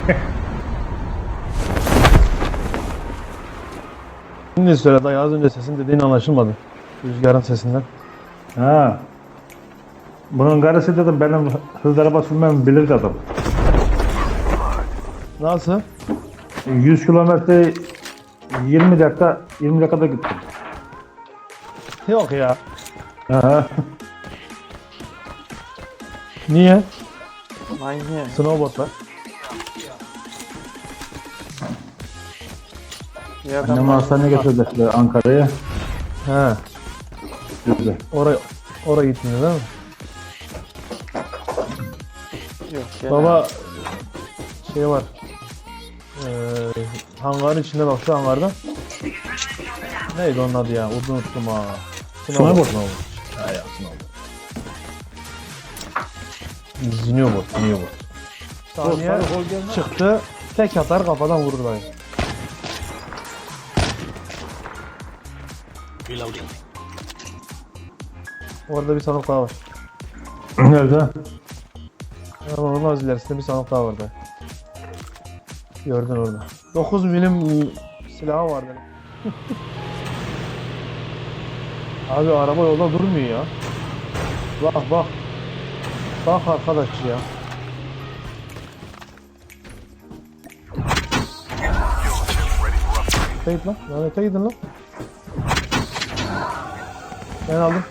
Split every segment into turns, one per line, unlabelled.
Şimdi söyle dayı, az önce sesin dediğin anlaşılmadı. Rüzgarın sesinden.
Ha. Bunun karısı dedim benim hız araba sürmemi bilir adam.
Nasıl?
100 kilometre 20 dakikada gittim.
Yok ya.
Ha.
Niye?
Manyak.
Snowboard var.
Bir adam
Annemi hastaneye getirdiler Ankara'ya.
He.
Güzel.
Oraya gitmiyor değil mi?
yok. Gene.
Baba şey var. Hangarın içinde bak, şu hangarda. Neydi onun adı ya? Unuttum ha.
Snowboard.
Ha ya, snowboard. Zinioboard. Saniye çıktı. Tek atar kafadan vurur dayı. Orada bir sandık daha var.
Nerede?
Ama onun az ilerisinde bir sandık daha vardı. Gördün orada. 9 milim silahı vardı. Abi araba yolda durmuyor ya. Bak bak. Bak arkadaş ya. Git lan. Lanete gidin lan. Ben aldım.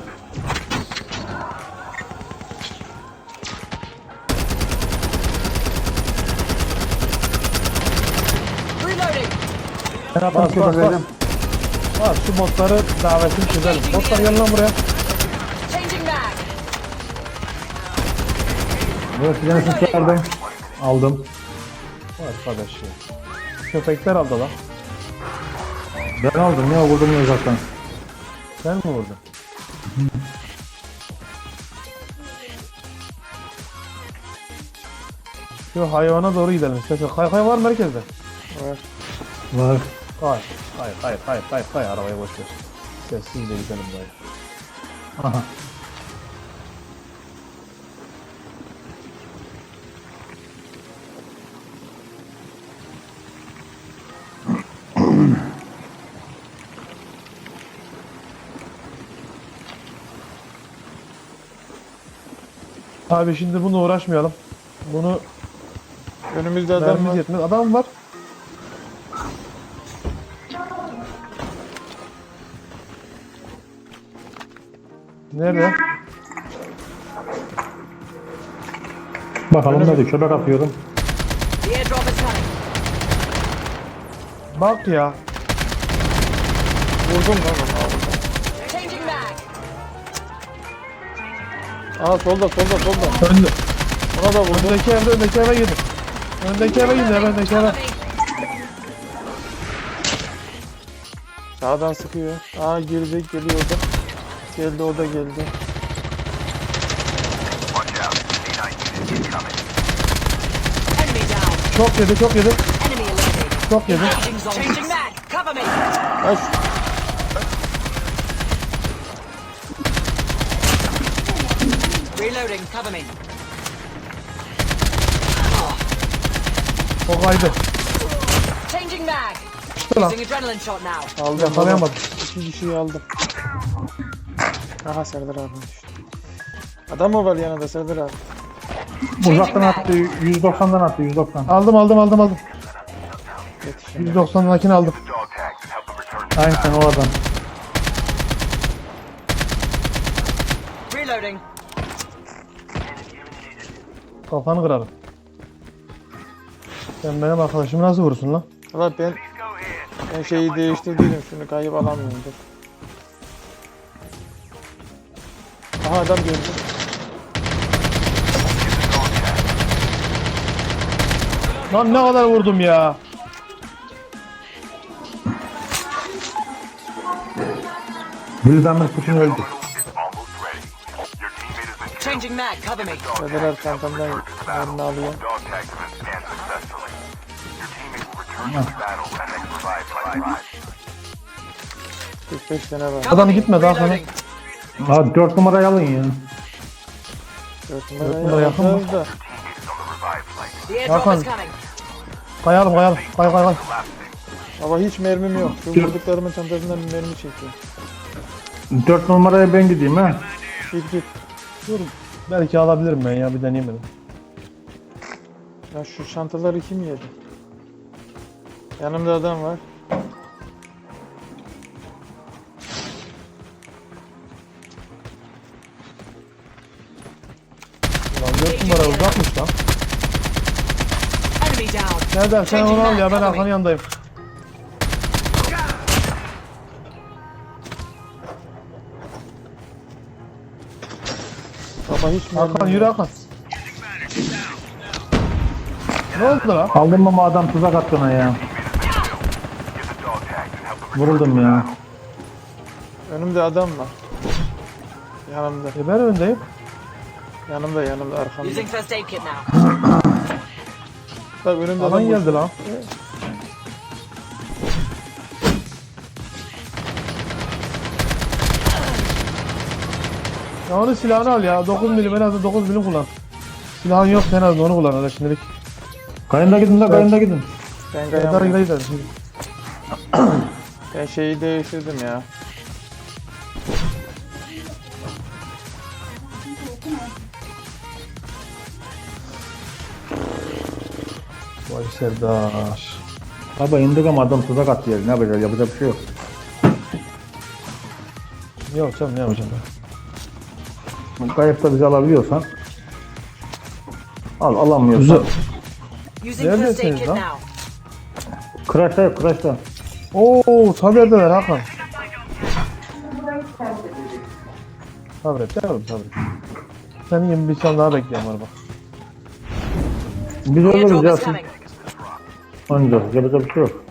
Bas. Bak şu botları davetini çözelim. Botlar gel lan buraya.
Evet, bir tanesini çıkardım. Aldım.
Arkadaş ya. Köpekler aldı lan.
Ben aldım ya, vurdum uzaktan.
Sen mi vurdun? Şu hayvana doğru gidelim istersen. Kay var merkezde.
Var.
Var.
Kay arabayı boş ver. Sessizce gidelim dayı.
Aha.
Abi şimdi bununla uğraşmayalım. Bunu
Önümüzde adam
mermimiz
var.
yetmez. Adam var. Nerede?
Bakalım ne diyor, köpek atıyorum.
The airdrop is coming.
Bak ya.
Vurdum lan onu.
Changing mag.
Aa solda.
Önde.
Ona da vurdum.
Öndeki eve gidin. Öndeki eve gidin. Öndeki eve.
Sağdan sıkıyor. Aa girecek, geliyor o da. Geldi, o da geldi.
Enemy down.
Çok yedi.
Enemy eliminated.
Çok yedi.
Changing mag. Cover me.
Aç.
Reloading. Cover me.
O kaydı.
Changing mag.
Çıktı lan.
Using adrenaline shot now.
Aldım.
Yakalayamadım.
İki kişiyi aldım. Aha Serdar abi düştü. Adam mı var yanında Serdar abi?
Uzaktan attı, 190'dan attı, 190.
Aldım.
Yetişin.
190'dakini aldım.
Aynen o adam.
Reloading.
Kafanı kırarım. Sen benim arkadaşımı nasıl vurursun lan?
Valla ben şeyi değiştirdiydim, şunu kayıp alamıyorum. Dur. Aha adam gördüm.
Lan ne kadar vurdum ya.
Bildanlık Putin öldü.
Changing mag. Cover me.
Serdar abi çantamdan yerini alıyor. 45 tane var.
Cover
Adam
me.
gitme daha sonra.
Reloading.
Abi 4 numarayı alın ya.
4
numara
numarayı
yakın mı?
alacağız da.
The airdrop
Hakan.
is coming.
Kayalım kayalım. Kay kay kay.
Ama hiç mermim yok. Şu vurduklarımın çantasından bir mermi çekiyor.
4 numaraya ben gideyim ha.
Git git.
Dur. Belki alabilirim ben ya bir deneyeyim dedim.
Ya şu çantaları kim yedi? Yanımda adam var.
Lan 4 numara uzakmış lan.
Enemy down.
Nereden sen onu al ya ben Hakan'ın yanındayım.
Baba hiç mermim
Hakan
yok.
yürü Hakan. Ne oldu lan?
Aldım ama adam tuzak attı ona ya. Vuruldum ya.
Önümde adam var. Yanımda.
Ben öndeyim.
Yanımda arkamda.
Using first aid kit now.
Bak önümde
Alan
adam var.
geldi lan. Ya onun silahını al ya. 9 milim en azından 9 milim kullan. Silahın yok en azından onu kullan hadi şimdilik.
Kayında gidin de kayında gidin.
Ben
Hadi
kayamam.
gidelim şimdi.
Ben şeyi değiştirdim ya.
Vay Serdar.
Baba indik ama adam tuzak attı yeri. Ne yapacağız? Yapacak bir şey yok.
Yok canım ne yapacağım ben.
Kayıpta bizi alabiliyorsan al, alamıyorsan.
Using first aid
Neredesiniz
kit
lan?
now.
Crash'ta yok, crash'ta.
Oo Taner'deler Hakan. Sabret yavrum sabret. Senin gibi bir can daha bekliyorum var bak.
Biz ölürüz
Airdrop
ya.
is coming.
Ancak yapacak bir şey yok.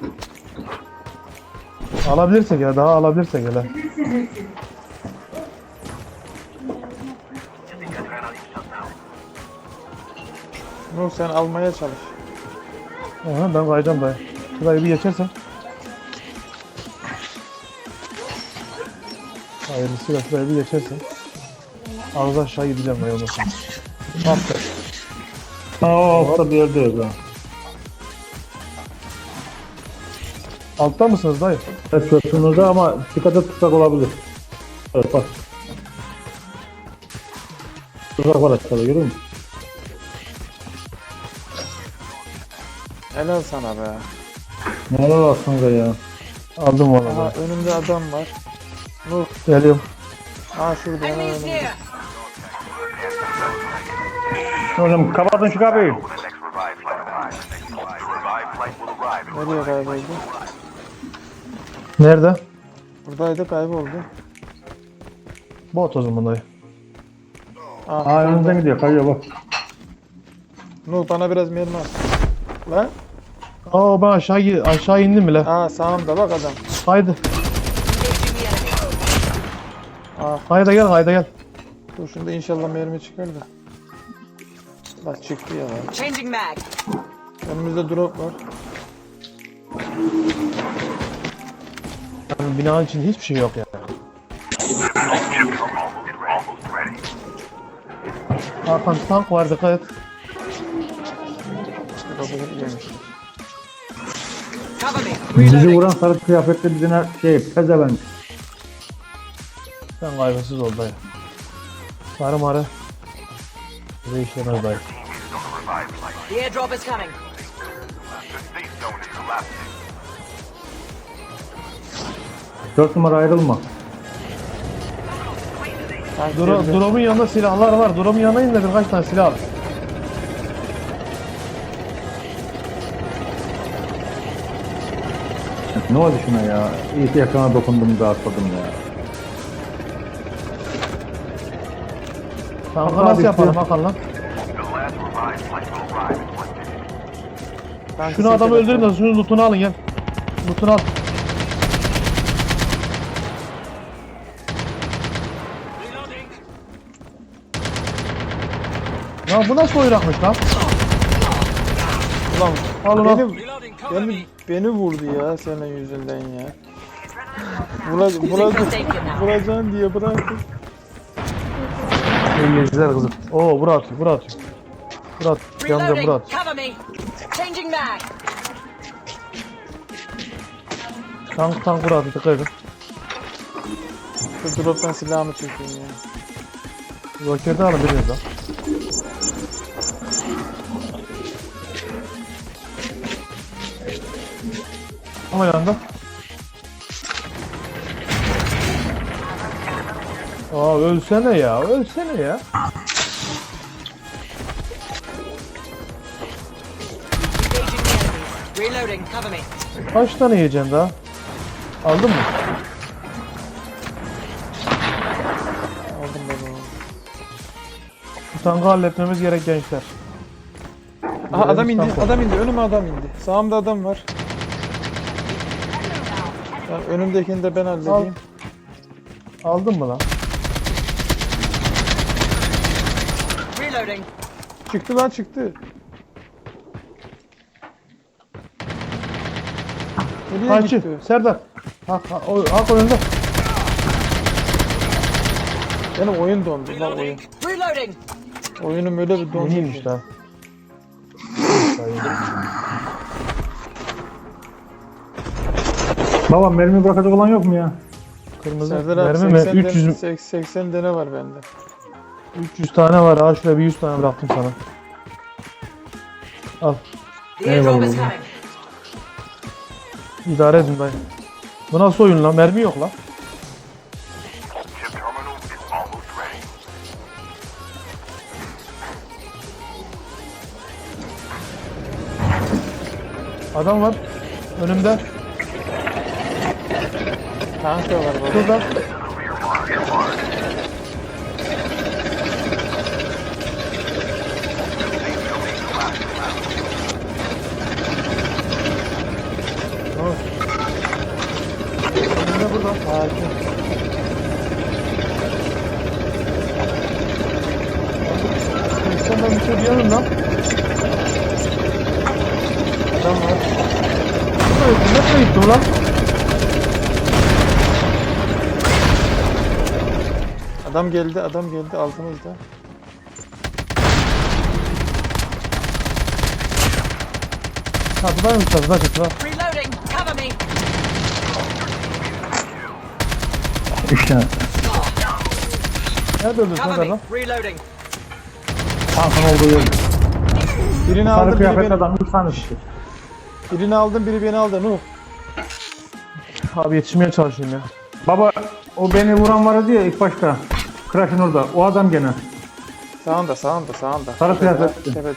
Alabilirsek ya daha alabilirsek hele.
Nur sen almaya çalış.
Aha, ben kayacağım dayı. Şurayı bir geçersen. Hayırlısıyla şurayı bir geçersen. Ağız aşağı gideceğim dayı ondan sonra. Aferin.
Altta bir yerde yok ha.
Altta mısınız dayı?
Evet köprünüzde ama dikkat et tuzak olabilir. Evet bak. Tuzak var aşağıda görüyor musun?
Helal sana be.
Neler aslında ya.
Aldım onu
Aha
dayı.
önümde adam var. Nur.
Geliyorum.
Aa şurada hemen
Enemies
önümde.
near.
Hocam kapatın şu kapıyı.
Nereye kayboldu?
Nerede?
Buradaydı kayboldu.
Bot o zaman dayı.
Aa önümüzden gidiyor kayıyor bak.
Nur bana biraz mermi at. Lan.
Aa ben aşağı indim bile.
Aa sağımda bak adam.
Haydi.
Engaging the enemy.
Aa
Haydi gel haydi gel.
dur şunda inşallah mermi çıkar da. Bak çıktı ya.
Changing mag.
Önümüzde drop var.
Yani binanın içinde hiçbir şey yok yani. Hakan tank var dikkat et.
Drop'u yemiş.
Cover me.
Bizi
Reloading.
vuran sarı kıyafetli bizine pezevenk.
Sen kaygısız ol dayı. Sarı marı. Bize işlemez dayı.
The airdrop is coming.
Dört numara ayrılma.
Tank girdi.
Drop'un yanında silahlar var. Drop'un yanına in dedim kaç tane silah al.
Ne oldu şuna ya? İyi ki yakana dokundum da atladım ya.
Tankı
Hakan
nasıl
abi,
yapalım
şu-
Hakan lan?
Tankı
Şunu adamı
silkele.
öldürün de şunun lootunu alın gel. Lootunu al. Ya bu nasıl oyrakmış lan?
Ulan
Al onu al.
beni vurdu ya senin yüzünden ya. Vuracaksın diye bıraktım.
İyi geceler kızım. Oo bura atıyor bura atıyor. Murat. Camda
Reloading.
Murat.
Cover me. Changing mag.
Tank Murat. Dikkat edin.
Şu drop'tan silahımı çekeyim ya.
Roketi alın biriniz lan. Ama yanında. Aa ölsene ya. Ölsene ya.
Engaging the enemies. Reloading. Cover me.
Kaç tane yiyeceksin daha? Aldın mı?
Aldım ben onu.
Bu tankı halletmemiz gerek gençler.
Aha adam
Görevimiz
indi.
tank.
Adam indi. Önüme adam indi. Sağımda adam var. Ben önümdekini de ben halledeyim.
Aldın mı lan?
Reloading.
Çıktı lan çıktı. Nereye
Kaçı.
gitti?
Serdar. Hak önünde.
Benim oyun dondu lan oyun.
Reloading.
Oyunum öyle bir dondu
Yeniymiş
ki.
daha.
Baba mermi bırakacak olan yok mu ya?
Kırmızı.
Serdar abi
Mermi mi?
80
300,
80 tane var bende.
300 tane var. Ha şuraya bir 100 tane bıraktım sana. Al.
The airdrop is
Eyvallah.
coming.
İdare edin dayı. Bu nasıl oyun lan? Mermi yok lan. Adam var. Önümde.
Tank da var baba.
Şurada. Önümde burada.
Sakin.
Sen ben bir şey diyemem lan.
Adam var.
Nereye gitti ulan?
Adam geldi altımızda.
Çatıdaymış çatıda çatıda.
Reloading. Cover me.
3 tane.
Nerede öldürdün
Cover
Serdar
me.
lan?
Reloading.
Tankın olduğu yer.
Birini
Sarı
aldım biri
kıyafetli
beni.
adam 3 tane çıktı.
Birini aldım biri beni aldı. Nuh.
Abi yetişmeye çalışayım ya.
Baba o beni vuran vardı ya ilk başta. Crash'ın orada. O adam gene.
Sağında.
Sarı kıyafetli.
Tepede.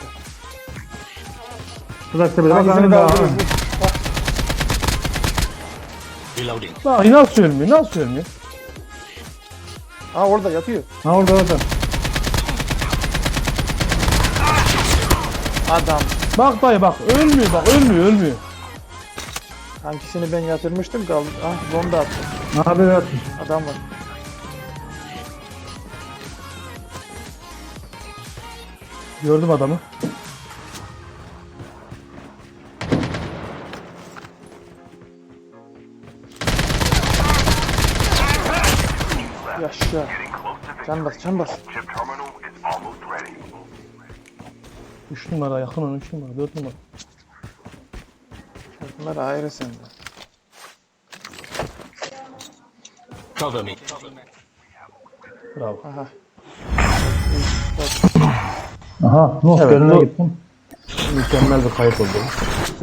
Tuzak tepede. Bak
Hangisini
önünde ha.
kaldırıyoruz?
Lan nasıl ölmüyor? Nasıl ölmüyor?
Aa orada yatıyor.
Ha orada orada.
Adam.
Bak dayı bak. Ölmüyor bak. Ölmüyor.
Hangisini ben yatırmıştım kaldı. Ah bomba attım.
Ne haber yaptın?
Adam var.
Gördüm adamı.
Yaşa. Can bas.
3 numara yakın ona 3 numara 4 numara.
Bunlar ayrı sende.
Cover me.
Bravo.
Aha.
Aha. Nuh
Evet,
önüne
bu-
gittim.
Mükemmel bir kayıp oldu.